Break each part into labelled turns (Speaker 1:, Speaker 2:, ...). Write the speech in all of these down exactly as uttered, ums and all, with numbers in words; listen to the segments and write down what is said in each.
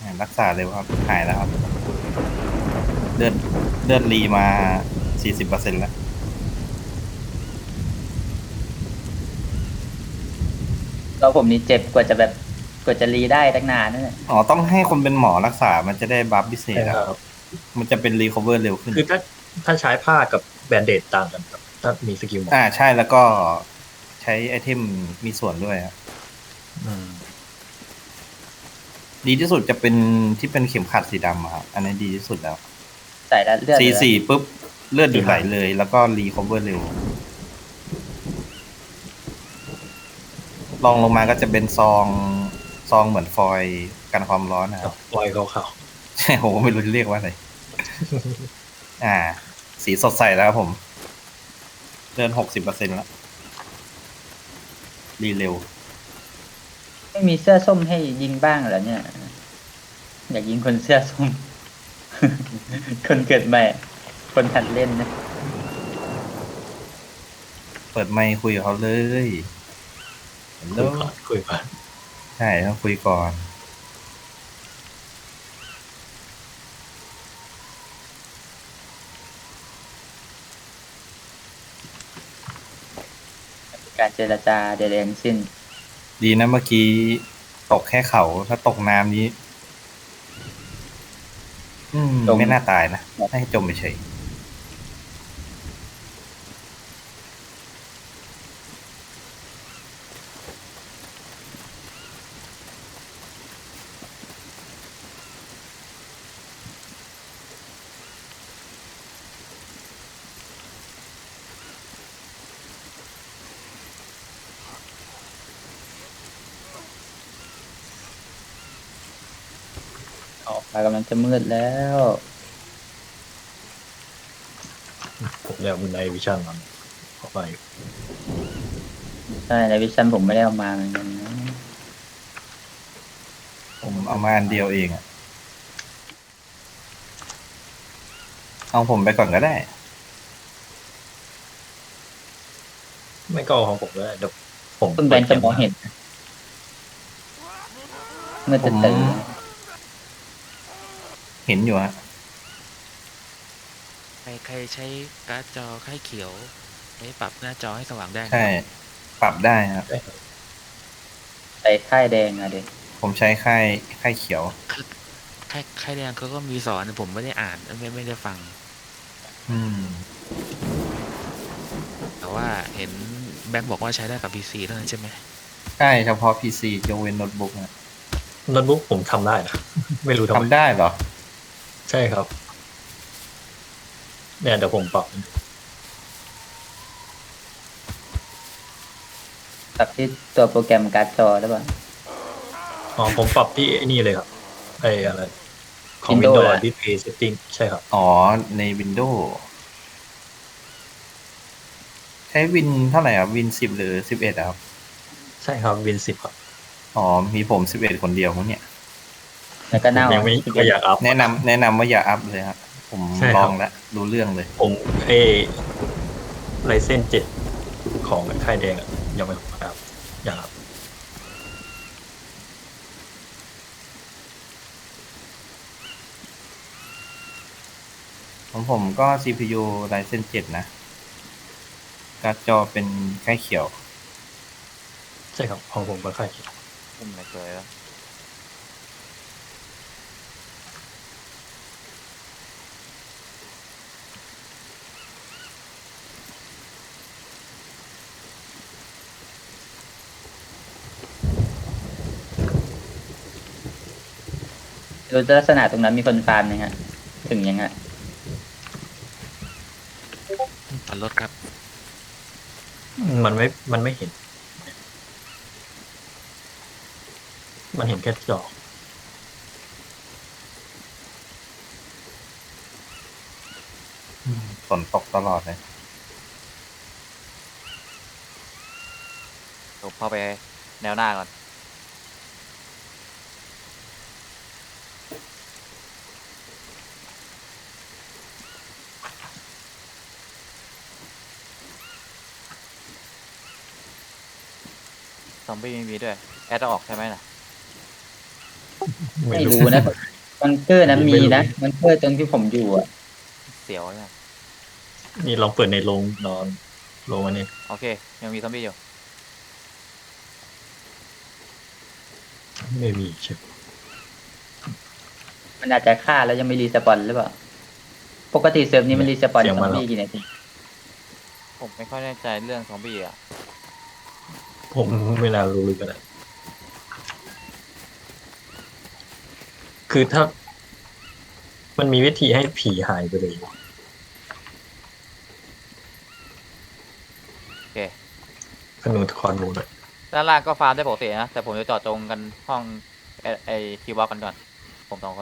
Speaker 1: รักษาเร็วครับหายแล้วครับเลือดเลือดรีมาสี่สิบเปอร์เซ็นต์แล้ว
Speaker 2: เราผมนี่เจ็บกว่าจะแบบกว่าจะรีได้ตั้งนานนั่นแหละ
Speaker 1: อ๋อต้องให้คนเป็นหมอรักษามันจะได้บัฟพิเศษครับ
Speaker 3: ใช่ครับ
Speaker 1: มันจะเป็นรีคอเวอร์เร็วขึ้น
Speaker 3: คือถ้าถ้าใช้ผ้ากับแบนเดดต่างกันครับถ้ามีสกิลหมอ
Speaker 1: อ่าใช่แล้วก็ใช้ไอเทมมีส่วนด้วยครับ
Speaker 3: อืม
Speaker 1: ดีที่สุดจะเป็นที่เป็นเข็มขัดสีดำอะครับอันนี้ดีที่สุดแล้ว
Speaker 2: ใส่แล้วเลือด
Speaker 1: สี
Speaker 2: เหลือ
Speaker 1: สี่ปุ๊บเลือดหยุดไหล
Speaker 3: สีหาย
Speaker 1: เลย แล้วก็รีคอเวอร์เร็วลองลงมาก็จะเป็นซองซองเหมือนฟอยล์กันความร้อนนะค
Speaker 3: กั
Speaker 1: รับ
Speaker 3: บปล่อยเขา
Speaker 1: ใช่ผมก็ไม่รู้จะเรียกว่าอะไรอ่า สีสดใสแล้วครับผมเดินหกสิบเปอร์เซ็นต์แล้วรีเร็ว
Speaker 2: ไม่มีเสื้อส้มให้ยิงบ้างเหรอเนี่ยอยากยิงคนเสื้อส้ม คนเกิดใหม่คนหัดเล่นนะ
Speaker 1: เปิดไมค์คุยกับเขาเลยฮัลโหล
Speaker 3: คุยก่อนคุยก่อน
Speaker 1: ใช่ต้องคุยก่อน
Speaker 2: การเจรจาใดๆทั้งสิ้น
Speaker 1: ดีนะเมื่อกี้ตกแค่เขาถ้าตกน้ำนี้ อืม
Speaker 2: จม
Speaker 1: ไม่น่าตายนะให้จมไปเฉย
Speaker 2: ออกมากำลังจะมืดแล้ว
Speaker 3: ผมเรียกบุญไนวิชั่นมันเข้าไป
Speaker 2: ใช่ในวิชั่นผมไม่ได้เอามาเหมือนกันนะ
Speaker 1: ผมเอามาอันเดียวเองอะเอาผมไปก่อนก็ได้
Speaker 3: ไม่ก็เอาของผมเลยเดี๋ยวผม
Speaker 2: คุณแบงค์จะมองเห็นเมื่อ
Speaker 1: ผ
Speaker 2: จะ
Speaker 1: ม
Speaker 2: ตื่น
Speaker 1: เห็นอยู่ฮะ
Speaker 4: ใครใครใช้การ์ดจอค่ายเขียวใช้ปรับหน้าจอให้สว่างได้นะ
Speaker 1: ใช่ ปรับได้ครับ
Speaker 2: ใส่ค่ายแดงอะเด็ก
Speaker 1: ผมใช้ค่ายค่ายเขียว
Speaker 4: ค่ายค่ายแดงเขาก็มีสอนผมไม่ได้อ่านไม่ไม่ได้ฟัง
Speaker 1: อืม
Speaker 4: แต่ว่าเห็นแบ็คบอกว่าใช้ได้กับ พี ซี เท่านั้นใช่ไหม
Speaker 1: ใช่เฉพาะ พี ซี ยกเว้นโน้ตบุ๊กนะ
Speaker 3: โน้ตบุ๊กผมทำได้นะไม่รู้ทำไม
Speaker 1: ทำได้เหรอ
Speaker 3: ใช่ครับ เนี่ยเดี๋ยวผมปรับ
Speaker 2: ปรับที่ตัวโปรแกรมการ์ดจอหรือเปล่า
Speaker 3: อ๋อผมปรับที่ไอ้นี่เลยครับไอ้อะไรของ
Speaker 2: Windows
Speaker 3: Windows
Speaker 2: อะ
Speaker 3: Display Setting ใช่ครับ
Speaker 1: อ๋อ ใน Windows ใช้วินเท่าไหร่อ่ะ วินสิบหรือสิบเอ็ดครับ
Speaker 3: ใช่ครับ Win สิบครับ
Speaker 1: อ๋อ มีผมสิบเอ็ดคนเดียวมั้งเนี่ย
Speaker 2: แล้วก็
Speaker 3: ผม
Speaker 2: เน่า
Speaker 3: ยังไม่ไม่อยากอัพ
Speaker 1: แนะนำแนะนำว่าอย่าอัพเลยครับ ผม
Speaker 3: ใช่
Speaker 1: ล
Speaker 3: ครั
Speaker 1: อบ งแล้วรู้เรื่องเลย
Speaker 3: ผมไอ้ไลเซนเจ็ดของค่ายแดงอะยังไม่อัพอยากอัพ
Speaker 1: ของผมก็ ซี พี ยู Ryzen เจ็ด นะ การ์ดจอเป็นค่ายเขียว
Speaker 3: ใช่ครับของผมก็ค่ายเขียว
Speaker 5: อุ้มอะไรสวยแล้ว
Speaker 2: ดูลักษณะตรงนั้นมีคนฟาร์มยังฮะถึงยังฮะ
Speaker 4: ผ่อนรถครับ
Speaker 3: มันไม่มันไม่เห็น มันเห็นแค่จอ
Speaker 1: ฝนตกตลอดเลย
Speaker 5: ผมเข้าไปแนวหน้าก่อนซอมบี้ไม่มีด้วย แอดต้องออกใช่ไหมน่ะ
Speaker 3: ไม่
Speaker 2: ไม่
Speaker 3: รู้
Speaker 2: รู้นะบังเกอร์นะ
Speaker 3: ไม่
Speaker 2: มี
Speaker 3: รู้
Speaker 2: นะบังเกอร์ตรงที่ผมอยู่อ่ะ
Speaker 5: เสียวเนี่ย
Speaker 3: นี่ลองเปิดในโรงนอนโรงอันนี้
Speaker 5: โอเค ยังมีซอมบี้อยู่
Speaker 3: ไม่มีใช่ไหม
Speaker 2: มันอาจจะฆ่าแล้วยังไม่รีสปอนหรือเปล่าปกติเซิร์ฟนี้มันรีสปอนซอมบี้กี่นาที
Speaker 5: ผมไม่ค่อยแน่ใจเรื่องซอมบี้อ่ะ
Speaker 3: ผมเวลารู้เลยก็ได้คือถ้า มันมีวิธีให้ผีหายไปเลย
Speaker 5: โอเค
Speaker 3: ขนูคอนมูเลย
Speaker 5: ด้านล่างก็ฟาร์มได้ปกตินะ แต่ผมจะเจาะจงกันห้องไอไอทีวอลกันก่อน ผมสองคน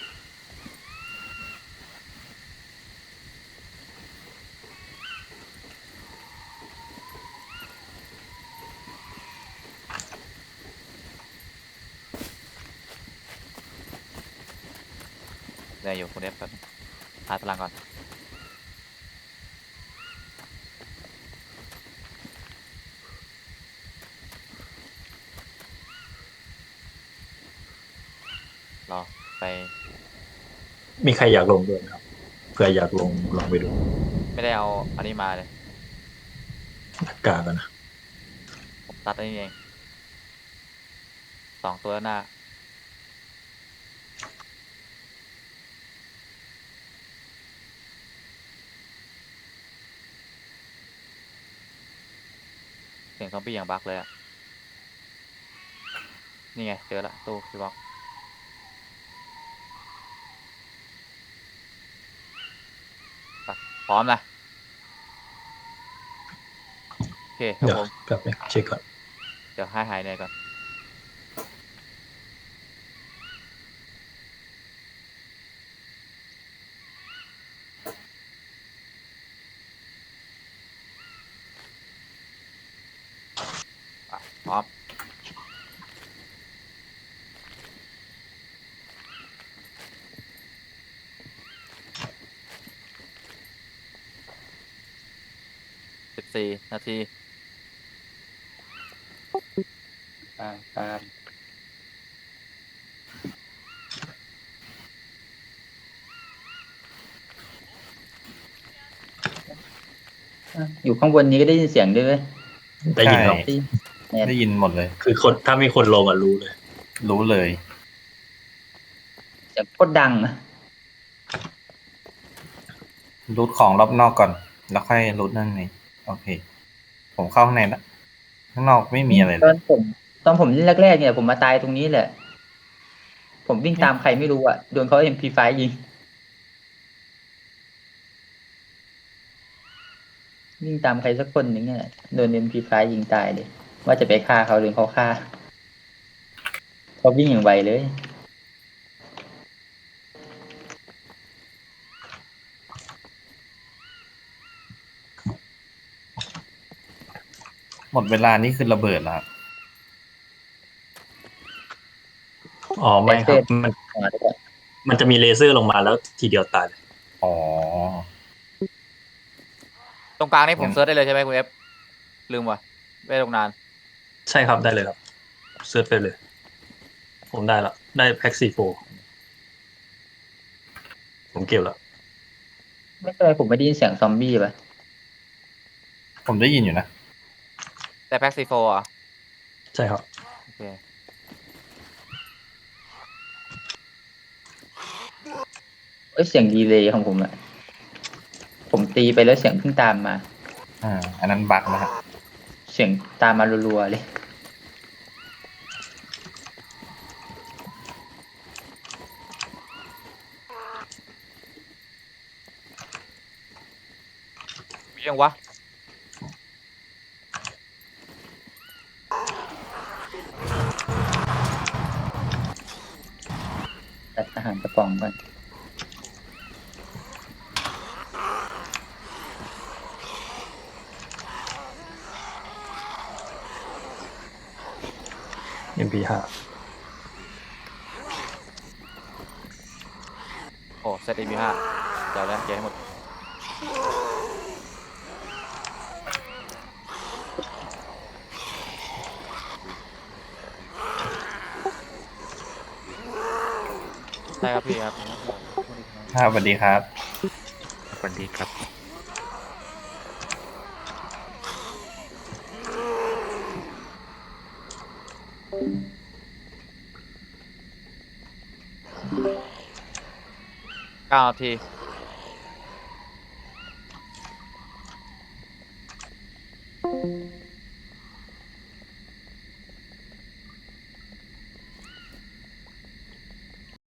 Speaker 5: ได้อยู่คุณเอฟครับหาตารางก่อน รอ ไป
Speaker 3: มีใครอยากลงด้วยไหมครับเผื่ออยากลงลองไปดู
Speaker 5: ไม่ได้เอาอันนี้มาเลย
Speaker 3: หน้ากากอะนะ
Speaker 5: ผมตัดอันนี้เอง สองตัวหน้า เสียงซอมบี้อย่างบักเลยอะนี่ไง เจอละตู้ทีวอลพร้อมนะ โอเคครับ
Speaker 3: เดี๋ยว
Speaker 5: ผม
Speaker 3: กลับไปเช็คก่อน
Speaker 5: เดี๋ยวให้หายเหนื่อยก่อน อ่ะพร้อม สิบสี่นาที
Speaker 2: ตามตามอ่ะอยู่ข้างบนนี้ก็ได้ยินเสียงด้วยเว้ย
Speaker 3: ได้ยินหรอ
Speaker 1: ใช่
Speaker 2: ที่เนี่ย
Speaker 1: ได้ยินหมดเลย
Speaker 3: คือคนถ้ามีคนลงอ่ะรู้เลย
Speaker 1: รู้เลย
Speaker 2: เสียงโคตรดังอะ
Speaker 1: รูทของรอบนอกก่อน แล้วค่อยรูทนั่นในโอเค ผมเข้าข้างในแล้วข้างนอกไม่มีอะไร
Speaker 2: ต
Speaker 1: เล
Speaker 2: อย นผมตอนผมเล่นแรกๆเนี่ยผมมาตายตรงนี้แหละ ผมวิ่งตามใครไม่รู้อ่ะโดนเขา เอ็ม พี ไฟว์ ยิงวิ่งตามใครสักคนหนึ่งเนี่ยโดน เอ็ม พี ไฟว์ ยิงตายเลย ว่าจะไปฆ่าเขาหรือเขาฆ่าเขาวิ่งอย่างไวเลย
Speaker 1: หมดเวลานี่คือระเบิดแล้ว
Speaker 3: อ๋อไม่ครับ มัน
Speaker 2: หัวด้วย
Speaker 3: มันจะมีเลเซอร์ลงมาแล้วทีเดียวตายเลย
Speaker 1: อ๋อ
Speaker 5: ตรงกลางนี่ผม
Speaker 1: งั้น
Speaker 5: เซิร์ชได้เลยใช่ไหมคุณเอฟ ลืมว่ะไม่ได้ลงนาน
Speaker 3: ใช่ครับได้เลยครับเซิร์ชไปเลย ผมได้ละได้แพ็กซีโฟผมเก็บแล้ว
Speaker 2: ไม่เป็นไรผมไม่ได้ยินเสียงซอมบี้ป่ะ
Speaker 1: ผมได้ยินอยู่นะ
Speaker 5: แต่แพ็กซีโฟอ่ะ
Speaker 3: ใช่ครับ
Speaker 5: โอเค
Speaker 2: เอ้ยเสียงดีเลย์ของผมอะผมตีไปแล้วเสียงเพิ่งตามมา
Speaker 1: อ่า อันนั้นบั๊กนะครับ
Speaker 2: เสียงตามมารัวๆเลย
Speaker 5: มียังวะ
Speaker 2: ตัดอาหารกระป๋องก่อน
Speaker 3: เอ็ม พี ห้า
Speaker 5: โอ้เซตเอ็มพีห้าเดี๋ยวแล้วเก็บให้หมด
Speaker 3: เ
Speaker 5: ช่ครับพี่ครับ
Speaker 1: ครับสวัสดีครับ
Speaker 4: สวัสดีครับ
Speaker 5: เก้านาที